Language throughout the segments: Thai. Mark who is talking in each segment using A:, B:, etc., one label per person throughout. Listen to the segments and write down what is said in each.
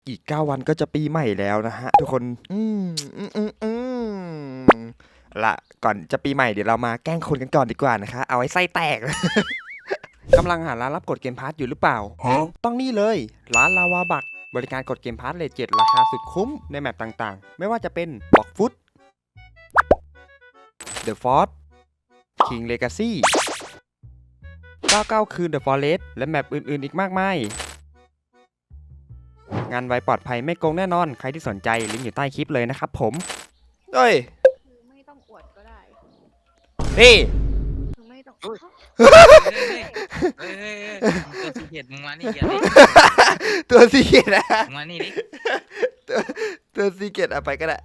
A: อีก9วันก็จะปีใหม่แล้วนะฮะทุกคนละก่อนจะปีใหม่เดี๋ยวเรามาแกล้งคนกันก่อนดีกว่านะคะเอาไว้ไส้แตก กำลังหาร้านรับกดเกมพาร์ทอยู่หรือเปล่าต้องนี่เลยร้านลาวาบักบริการกดเกมพาร์ทเลท7ราคาสุดคุ้มในแมปต่างๆไม่ว่าจะเป็นบล็อกฟุตเดอะฟอร์ คิงเลกาซี่99คืน The Forest และแมปอื่นๆอีกมากมายงานไวปลอดภัยไม่โกงแน่นอนใครที่สนใจลิงก์อยู่ใต้คลิปเลยนะครับผมเฮ้ย
B: คือไม่ต้องอวดก็ได้
A: นี่
B: คือไม่ต้อง
C: เฮ้ย เฮ้ยตัวสีเขียดมึงมานี่เดี๋ยวดิ
A: ตัวซีเกตนะ
C: มึงมานี่ดิ
A: ตัวซีเกตเอาไปก็ได้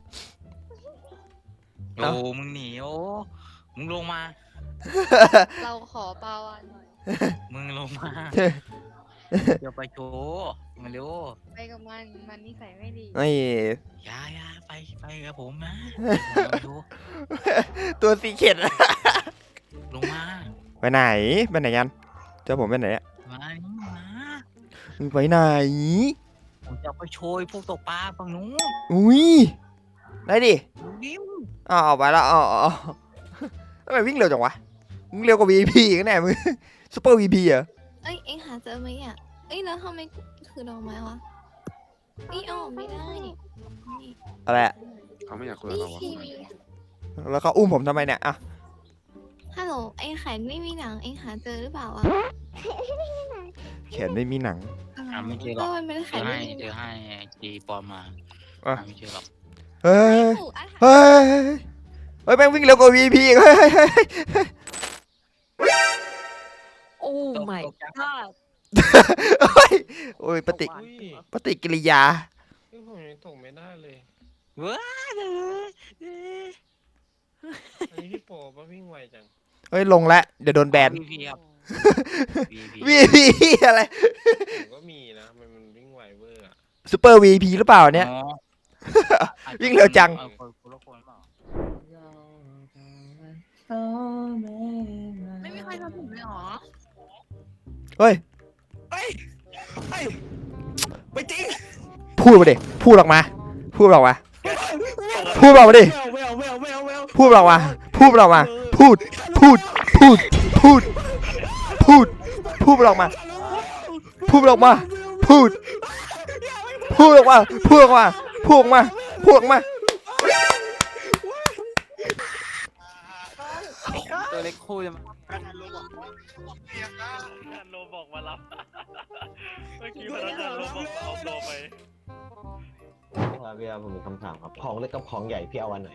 C: โอ้มึงหนีโอ้มึงลงมา
B: เราขอปลาวานหน่อย
C: มึงลงมาเดี๋ยวไปโชว์มาเร็ว
B: ไปกับมันนิสัยไม่ดี
A: ไอ้
C: อย่าไปกับผมนะมาดู
A: ตัวซีเกต
C: ลงมา
A: ไปไหนกันเจอผมไปไหนอะ
C: มานี่มา
A: มึงไปไหน
C: ผมจะไปโชว์ไอ้พวกตกปลาฝั่งนู้น
A: อุ้ยได้ดิ
C: ดิ้ว
A: เอาไปแล้วอ๋อทำไมวิ่งเร็วจังวะมึงเร็วกว่า VP กันแน่มึงซูเปอร์ VP เหรอ
D: เอ้ยเอ็งหาเจอไหมอ่ะเอ้ยแล้วทำไมคือดอกไม้วะนี่เอาออกไม่ได้นี่
A: อะไรอะ
E: เขาไม่อยากคุยกับ
D: นี่
E: เราอะ
D: ทีวี
A: แล้วเขาอุ้มผมทำไมเนี่ยอะ
D: ฮัลโหลเอ็งขายไม่มีหนังเอ็งหาเจอหรือเปล่าอ่ะ
A: แขนไม่มีหนัง
C: หาไม่เจอหร
D: ก็
C: อก
D: มันเป็น
C: เจ
D: ขาย
C: อ
D: ไม่
C: ให้
D: มีห
C: เจ
D: นั
C: องให้จีปอมมา
A: อ่ะ
C: หาไม่เจอหรอก
A: เฮ้ย
D: ถูกอ่ะ
A: เฮ้ยเฮ้ยแม่งวิ่งเร็วกว่า VP อีกเฮ้ย
F: โอ้ my
C: ตกใจ
F: god
A: เฮ้ยโอ้ยปฏิกิริยา
E: ผมยังส่งไม่ได้เลย
C: ว้าเลย
E: อันนี้พี่โปป่ะวิ่งไวจัง
A: เฮ้ยลงแล้วเดี๋ยวโดนแบน
C: พีครับ
A: VP อะไร
E: ผมก็มีนะมันวิ่งไวเวอร์อะ
A: ซูเปอร์ VP หรือเปล่าเนี่ย วิ่งเร็วจัง
C: คนละคนเปล่า
B: ไม่มีใครทำผมเลยเหรอ
A: เฮ้ย
G: ไม่จริง
A: พูดมาดิพูดออกมาพูดออกมาพูดออกมาดิ
G: ไม่เอา
A: พูดออกมาพูดออกมาพูดพูดพูดพูดพูดพูดออกมาพูดออกมาพูดพูดออกมาพูดออกมาพูดออกมาพูดออกมา
C: ตัวเล็กคู่จะมา
H: โลบอกมารับเมื่อกี้พนักงานโลบอกเอาโลไป
I: ครับพี่ครับผมมีคำถามครับของเล็กกับของใหญ่พี่เอาอันไหน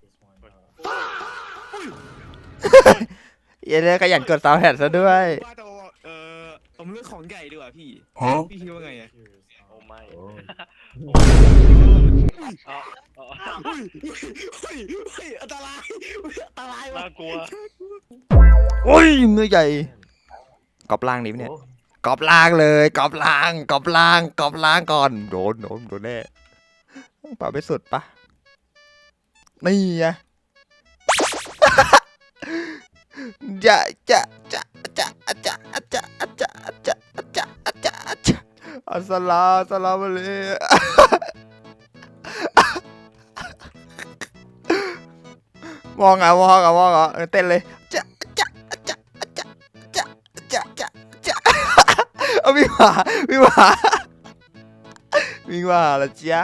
A: อย่าได้ขยันกดซาวด์แฮดซะด้วย
G: ว่าแต่ว่าผมเลือกของใหญ่ดีกว่าพี่พี่คิดว่าไงอะ
H: โอ้ไม่
I: โอ้
G: เฮ้ยอันตรายว่ะ
H: น่ากลัว
A: โอ้ยมือใหญ่กอบล่างนี่เนี่ยกอบล่างเลยกอบล่างกอบล่างกอบล่างก่อนโดนแน่ป่าไปสุดปะนี่ไง จะอัสสลามุอะลัยมองอ่ะเต้นเลยจะเอาวิ่งมาวิ่งมาละจ๊ะ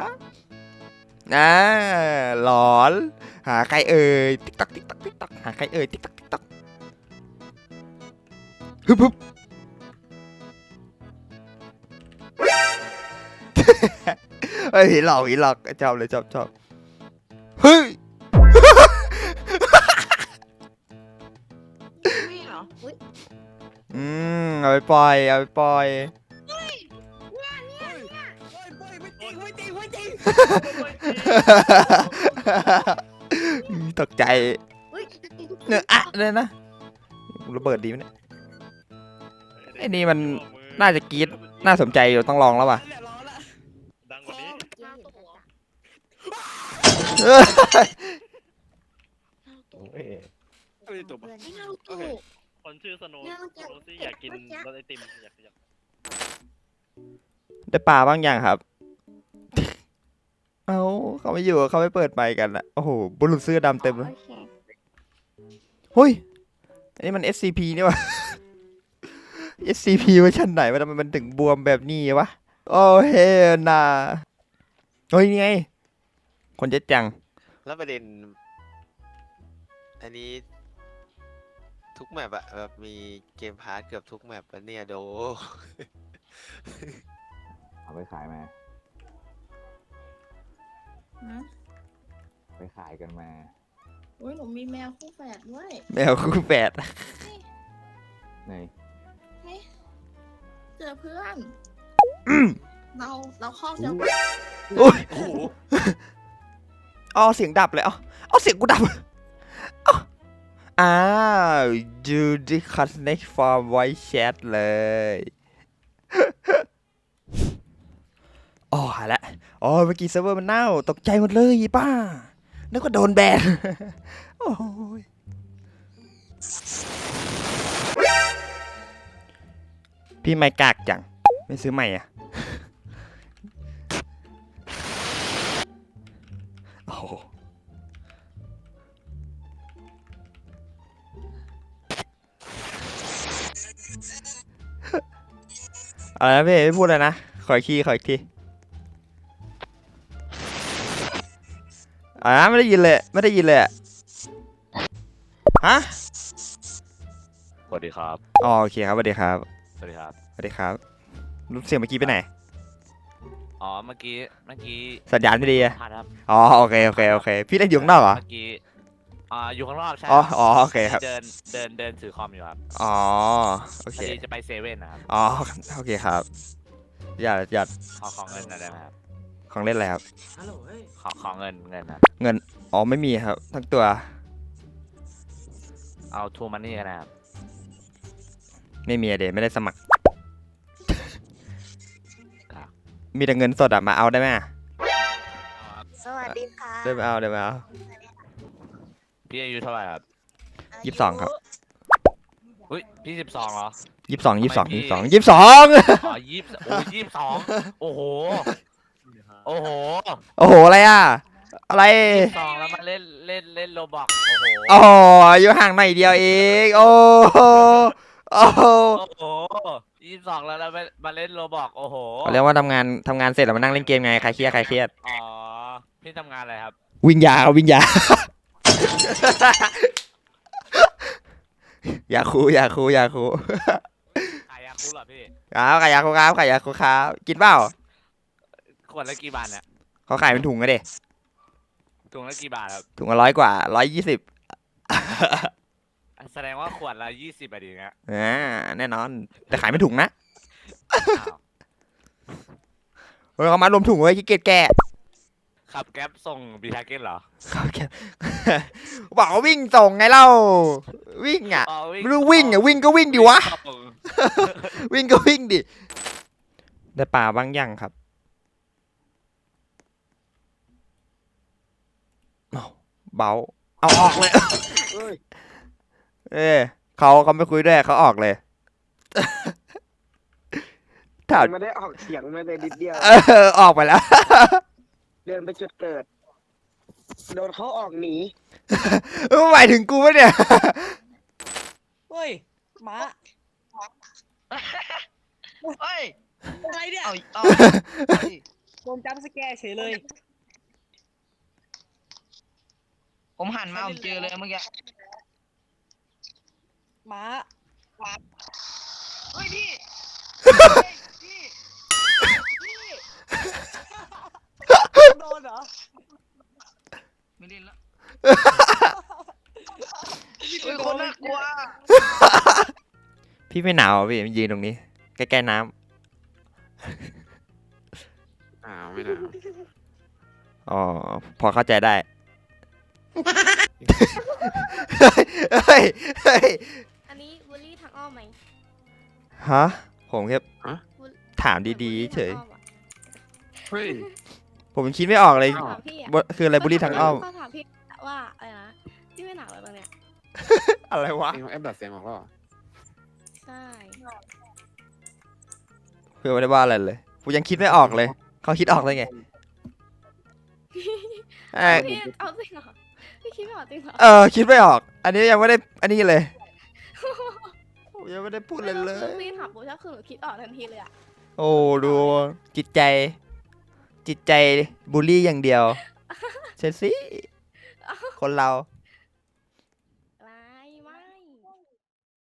A: หลอนหาใครเอ่ยติ๊กตักหาใครเอ่ยติ๊กตักฮึบเฮ้ยผีหลอกชอบเลยชอบเฮ้ย
F: ไม่เหรออุ๊ย
A: เอาไปปล่อย
G: ไม่จริง
A: ตกใจ
B: อุ้ย
A: เนี่ยอะเลยนะระเบิดดีไหมเนี่ยไอ้นี่มันน่าจะกรี๊ดน่าสนใจอยู่ต้องลองแล้วว่ะ
G: ร้อนละ
H: ดังกว่านี้
I: เอ้ย
G: ไม่ได้ตัวปะ
B: ไม่น่าถูก
H: คนชื่อสโนว์โรซี่อยากกินรสไอติมอยาก
A: ได้ปลาบ้างยังครับเอาเขาไม่อยู่เขาไม่เปิดไมค์กันอะโอ้โหบุรุษเสื้อดำเต็มเลย
B: โอเค
A: เฮ้ยอันนี้มัน SCP นี่วะ SCP เวอร์ชันไหนวะทำไมมันถึงบวมแบบนี้วะโอ้เฮนาเฮ้ยนี่ไงคนเจ็ดจัง
J: แล้วประเด็น อันนี้ ทุกแมปอะแบบมีเกมพาร์ทเกือบทุกแมปอะเนี่ยโด
I: เอาไปขายมาไปขายกันมา
F: อุ้ยหนูมีแมวคู่แฝดด้วย
A: แมวคู่แฝด
I: ไหน
F: เจอเพื่อน เราครอบเจอ
A: โอ้ยอ๋อเสียงดับเลยเอาเสียงกูดับอ้าวยูดิคัสเน็กฟอร์มไวแชทเลยอ๋อหายละอ๋อเมื่อกี้เซิร์ฟเวอร์มันเน่าตกใจหมดเลยป้านึกว่าโดนแบนโอ้ยพี่ไม่กากจังไม่ซื้อใหม่อ่ะโอ้โหอะไรนะพี่ไม่พูดเลยนะขออีกทีไม่ได้ยินเลยอะฮะ
H: สวัสดีครับ
A: อ๋อโอเคครับสวัสดีครับ
H: สวัสดีครับ
A: สวัสดีครับรูปเสียงเมื่อกี้ไปไหน
C: อ๋อเมื่อกี้
A: สัญญาณไม่ดีอะ
C: พลาดครับ
A: อ๋อโอเคพี่เล่นอยู่ข้างนอกเหรอ
C: เมื่อกี้อยู่ข้างนอกใช่
A: อ๋อโอเคครับ
C: เดินถือคอมอยู่ครับ
A: อ๋อโอ
C: พ
A: เค
C: อดีจะไปเซเว่นนะครับ
A: อ๋อโอเคครับอย่า
C: ขอเงินหน่อยได้ไหมครับ
A: ของเล่นอะไรครับ
C: ขอเงินนะ
A: เงินอ๋อไม่มีครับทั้งตัว
C: เอาทูมันนี่กันนะครับ
A: ไม่มีอะเดไม่ได้สมัคร
C: ครับ
A: มีแต่เงินสดอะมาเอาได้ไหมอะ
F: สวัสดีค่ะ
A: ได้มาเอา
C: พี่อายุเท่าไหร่ครับ
A: 22ครับ
C: อุ้ยพี่12เหรอ
A: 22
C: ทำไมพี่
A: 22
C: อ๋อ22โอ้โหโอ้โห
A: โอ้โหอะไรอะอะไร
C: 22แล้วมาเล่นโรบอกโอ้โห
A: อ๋ออยู่ห่างหน่อยเดียวเองโอ้โหโอ้โห
C: โอ้โห22แล้วมาเล่นโรบอกโอ้โห
A: เขาเรียกว่าทำงานเสร็จแล้วมานั่งเล่นเกมไงใครเครียด
C: อ๋อพี่ทำงานอะไรครับ
A: วิ่งยาอยากคู
C: ขายยาคูเหรอพี่
A: ครับขายยาคูครับกินเปล่า
C: ขวดละกี่บาทเนี่ย
A: เขาขายเป็นถุงอะเด็
C: ถุงละกี่บาทครับ
A: ถุงละ100 กว่า120
C: แสดงว่าขวดละ20บาทดีนะ
A: แน่นอนแต่ขายเป็นถุงนะ
C: อ้าว
A: เฮ้ยเขามารวมถุงไว้ขี้เกียจแกะ
C: ขับแก๊ปส่งบีทาเก็ตเหรอ
A: เขาแกะ บอกว่าวิ่งส่งไงเล่าวิ่งอ่ะ
C: อ๋อ
A: ไม่รู้วิ่งอ่ะวิ่งก็วิ่งดิวะ
C: ส่ง
A: วิ่งก็วิ่งดิได้ปลาบ้างยังครับเอาเบาเอาออกเลยเขาไม่คุยด้วยเขาออกเลย ถาม
G: ไม่ได้ออกเสียงไม่ได้นิดเดียว
A: ออกไปแล้ว
G: เดินไปจุดเกิด โดนเขาออกหนี
A: หมายถึงกูปะเนี่ย
F: เฮ้ยหมา
H: เฮ้ย
F: อะไรเนี่ย
H: เอา
F: โดนจัมป์สแกร์เฉยเลย
H: ผมหันมาผมเจอเลยเมื่อกี้
F: หมา
H: เฮ้ยพี่
F: โดนเหรอ
H: ไม่เล่นละเฮ้ยคนน่ากลัว
A: พี่ไม่หนาวเหรอพี่ยืนตรงนี้ ใกล้ๆน้
E: ไม่หนาว
A: ำอ๋อพอเข้าใจได้ เฮ้ย
B: อันนี้บูลลี่ทางอ้อมไหม
A: ฮะผมแค่
B: บูล
A: ถามดีๆเฉย
B: บูลลี่ทางอ้อมอะ
E: เฮ้ย
A: ผมยังคิดไม่ออกเลย
B: ถามพี่อะ
A: คืออะไรบุรีทางอ้อม
B: เขาถามพี่ว่าอะไรนะพี่ไม่หนาวเลยบ้างเนี่ย
A: อะไรวะ
E: เอ็งแอปดัดเสียงออกแล้วเหรอ
B: ใช่
A: คือไม่ได้ว่าอะไรเลยผมยังคิดไม่ออกเลย เขาคิดออกได้ไงเอ้ย
B: พี่เอาจริงเหรอพี่คิดไม่ออกจริงเหรอ
A: คิดไม่ออก อันนี้ยังไม่ได้อันนี้เลยผมยังไม่ได้พูดเลยเลย
B: พี่ถามโบชักคือหนูคิดออกทันทีเลยอะ
A: โอ้ดูจิตใจบูลลี่อย่างเดียวเชลซีคนเรา